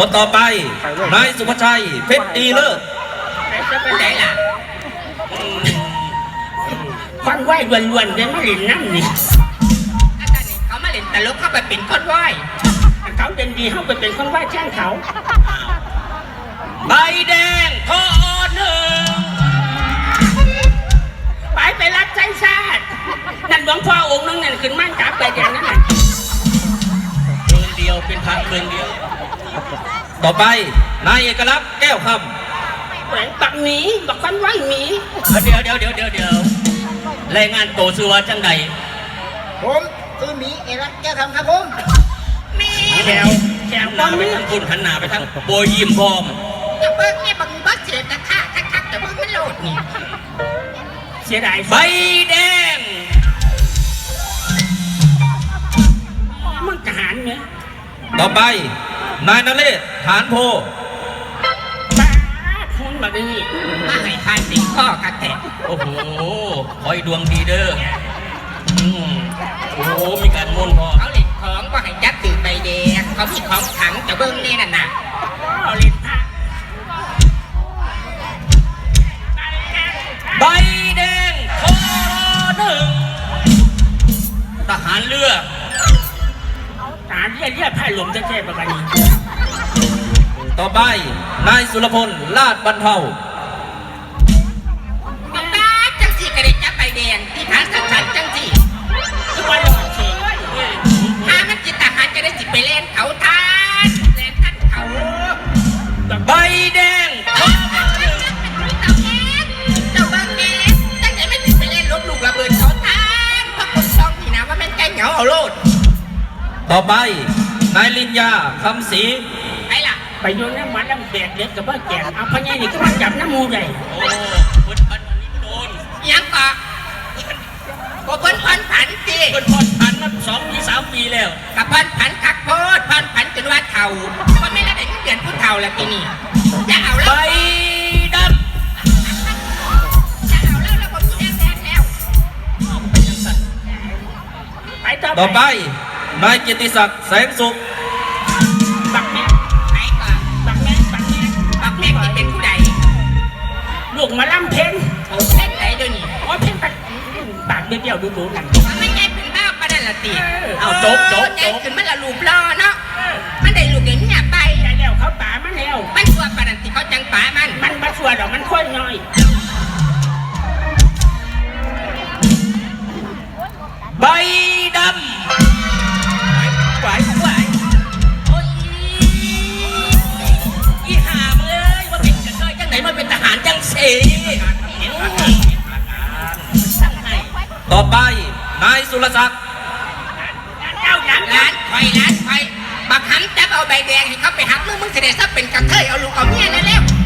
คนต่อไปนายสุภชัยเพชรดีเลิศจะเป็นไหนล่ะคอนไหวล้วนๆเลยมาเล่นน้ำนี่อาจารย์นี่เขามาเล่นตลกเข้าไปเป็นคอนไหวเขาเด่นดีเข้าไปเป็นคอนไหวแช่งเขาใบแดงทอหนึ่งไปรับใจชาตินั่นหลวงพ่อองค์นึงนั่นขึ้นมั่นกับไปอย่างนั้นเมืองเดียวเป็นพระเมืองเดียวต่อไปนายเอกลักษณ์แก้วคำแหวงปักหมีบักคอนไหวหมีเดี๋ยวรายงานโตสัวจังใดผมคือหมีเอกลักษณ์แก้วคำครับผมมีแถวหันหน้าไปทางคุณหันหน้าไปทางโบยิมพร้อมจะเบิ้งเนี่ยบังบักเสียตะค่าทักแต่เบิ้งไม่โหลดนี่เสียดายใบแดงมันทหารเนี่ยต่อไปนายนเรศฐานโพบ้าพูดมาดิมาให้ทานติดข้อกันแทะโอ้โหขอให้ดวงดีเด้อโอ้โหมีการมุ่นพอเขาเล่นของว่าให้ยัดตื่นใบแดงเขามีของขังจะเบิ้งนี่น่ะเขาเล่นผ้าใบแดงทอหนึ่งทหารเรือทหารเรือผ้าหลวมจะแค่ประมาณนี้ต่อไปนายสุรพลลาดบรรเทาบ้าจังสีกระเด็นจับใบแดงที่ทางสันจังสีทุกวันเราเฉยถ้ามันจิตทหารจะได้จิตไปเล่นเขาทานเล่นท่านเขาใบแดงเจ้าบางแง่ตั้งใจไม่ติดไปเล่นลบลูกระเบิดเขาทานเพราะคนซองนี่นะว่ามันใกล้เหงาเอาโลดต่อไปนายลินยาคำศรีไปล่ะไปโยนน้ำมันน้ำแดดเล็กกับว่าแก่เอาพญานี่ก็มาจับน้ำมูใหญ่โอ้คนพันนี้โดนยังปะก็เพิ่นผันสิเพิ่นผันมา2-3 ปีแล้วกับเพิ่นผันคักโพดเพิ่นผันจนว่าเท่าเพราะไม่ได้เดือนผู้เท่าแล้วทีนี้จะเอาแล้วใบดำจะเอาแล้วผมแดงแล้วไปต่อไปนายกิติศักดิ์แสงสุขบักแม่ไหนก่อนบักแม่ที่เป็นผู้ใดลูกมาล่ำเพนโอ้เพนไหนด้วยนี่อ๋อเพนปากเดียวดูนั่นไม่ใช่เป็นบ้าปะนั่นละตีเอาโจ๊กขึ้นมันละลูบล้อเนาะมันได้ลูกเดี๋ยวนี้ไปได้แล้วเขาป่ามันแล้วมันชัวปะนั่นตีเขาจังป่ามันมาชัวดอกมันค่อยน้อยใบดำไหวโอ้ยอีห่ามึงว่าเป็นกระเทยจังไหนมันเป็นทหารจังสีต่อไปนายสุรศักดิ์เจ้าร้านไฟบักหันจับเอาใบแดงให้เขาไปหักมึงเสด็จซะเป็นกระเทยเอาลูกเอาเมียนั่นแล้ว